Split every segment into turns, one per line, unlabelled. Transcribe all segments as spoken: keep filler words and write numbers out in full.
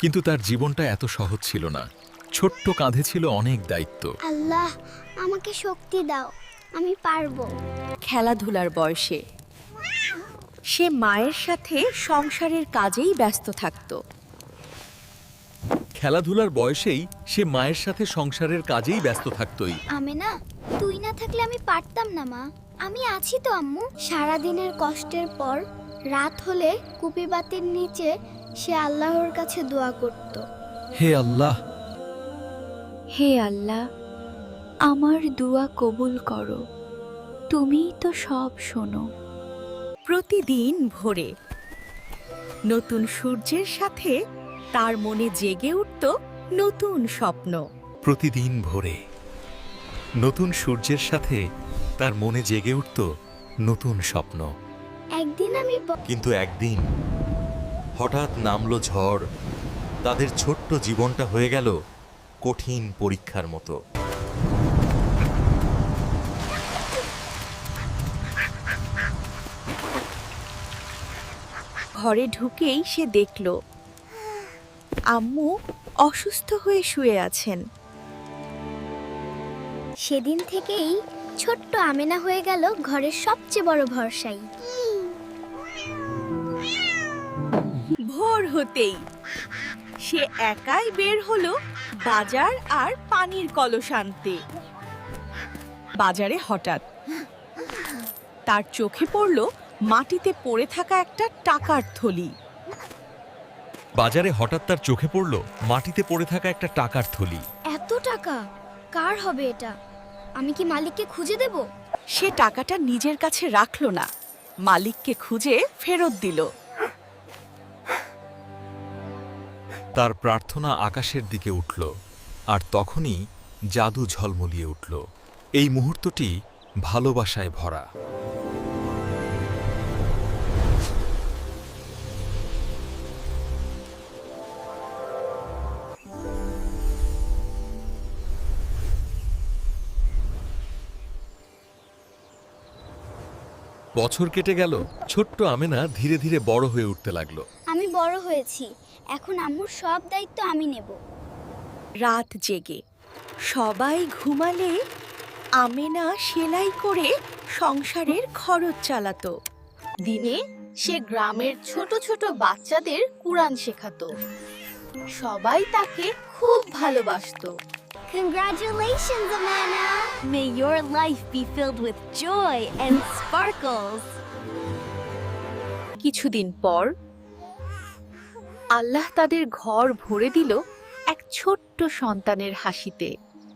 কিন্তু তার জীবনটা এত সহজ ছিল না। ছোট্ট কাঁধে ছিল অনেক দায়িত্ব।
আল্লাহ আমাকে শক্তি দাও, আমি পারবো।
খেলাধুলার বয়সে সে মায়ের সাথে সংসারের কাজেই ব্যস্ত থাকত।
খেলাধুলার বয়সেই সে মায়ের সাথে সংসারের কাজেই ব্যস্ত থাকতই।
আমেনা, তুই না থাকলে আমি পারতাম না মা। আমি আছি তো আম্মু। সারা দিনের কষ্টের পর রাত হলে কুপি বাতির নিচে সে আল্লাহর কাছে দোয়া করত।
হে আল্লাহ,
হে আল্লাহ, আমার দোয়া কবুল করো, তুমিই তো সব শোনো। প্রতিদিন ভোরে নতুন সূর্যের সাথে তার মনে জেগে উঠত নতুন স্বপ্ন।
প্রতিদিন ভোরে নতুন সূর্যের সাথে তার মনে জেগে উঠত নতুন স্বপ্ন।
একদিন আমি ব-
কিন্তু একদিন হঠাৎ নামলো ঝড়। তাদের ছোট্ট জীবনটা হয়ে গেল কঠিন পরীক্ষার মতো।
ঘরে ঢুকেই সে দেখল আম্মু অসুস্থ হয়ে শুয়ে আছেন।
সেদিন থেকেই ছোট্ট আমেনা হয়ে গেল ঘরের সবচেয়ে বড় ভরসাই।
ভোর হতেই সে একাই বের হলো বাজার আর পানির কলস আনতে। বাজারে হঠাৎ তার চোখে পড়ল মাটিতে পড়ে থাকা একটা টাকার থলি।
বাজারে হঠাৎ তার চোখে পড়ল মাটিতে পড়ে থাকা একটা টাকার থলি।
এত টাকা কার হবে এটা? আমি কি মালিককে খুঁজে দেব?
সে টাকাটা নিজের কাছে রাখলো না, মালিককে খুঁজে ফেরত দিল।
তার প্রার্থনা আকাশের দিকে উঠল, আর তখনই জাদু ঝলমলিয়ে উঠল। এই মুহূর্তটি ভালোবাসায় ভরা। বছর কেটে গেল। ছোট্ট আমেনা ধীরে ধীরে বড় হয়ে উঠতে লাগলো।
আমি বড় হয়েছি, এখন আম্মুর সব দায়িত্ব আমি নেব।
রাত জেগে সবাই ঘুমালে আমেনা সেলাই করে সংসারের খরচ চালাতো। দিনে সে গ্রামের ছোট ছোট বাচ্চাদের কুরআন শেখাতো। সবাই তাকে খুব ভালোবাসতো।
Congratulations, Amana!
May your life be filled with joy and sparkles.
কিছুদিন পর আল্লাহ তাদের ঘর ভরে দিল এক ছোট্ট সন্তানের হাসিতে।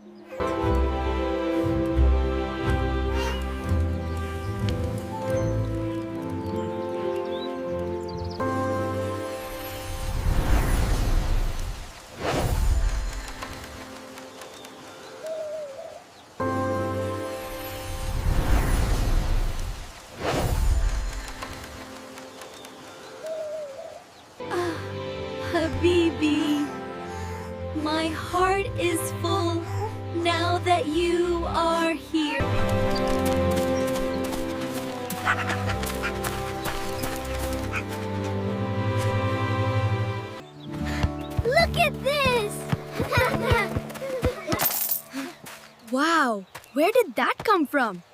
Habibi, my heart is full now that you are here.
Look at this!
Wow, where did that come from?